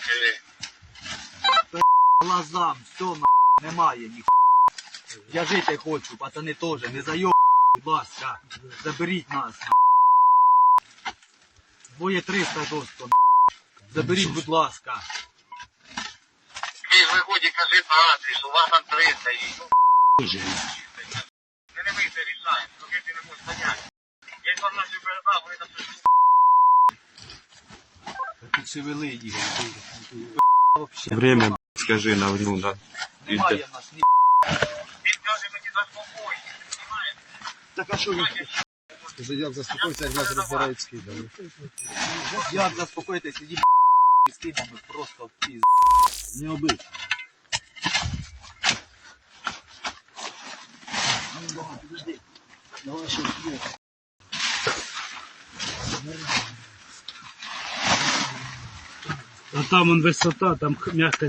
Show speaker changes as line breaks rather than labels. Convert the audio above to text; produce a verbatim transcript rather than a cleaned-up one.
Глазам, все на немає ні. Я жити хочу, пацани теж, не зайоб, будь ласка, заберіть нас. Двоє триста досто, заберіть, будь ласка.
Ти ж виході, кажи по адресу, у вас там триста і... Ми не ми це рішаємо, поки ти не можеш поняти. Я інформацію передав, вони там щось...
Підшевели їх.
Время, скажи, на ну, на.
Немає в нас ні.
Він каже мені заспокойся, розумієш?
Так а що ви?
Скажи, як заспокоїться, як нас розбирають скидами.
Як заспокоїтися, їб з кидами просто в піз.
Не обидь.
А там он высота, там мягко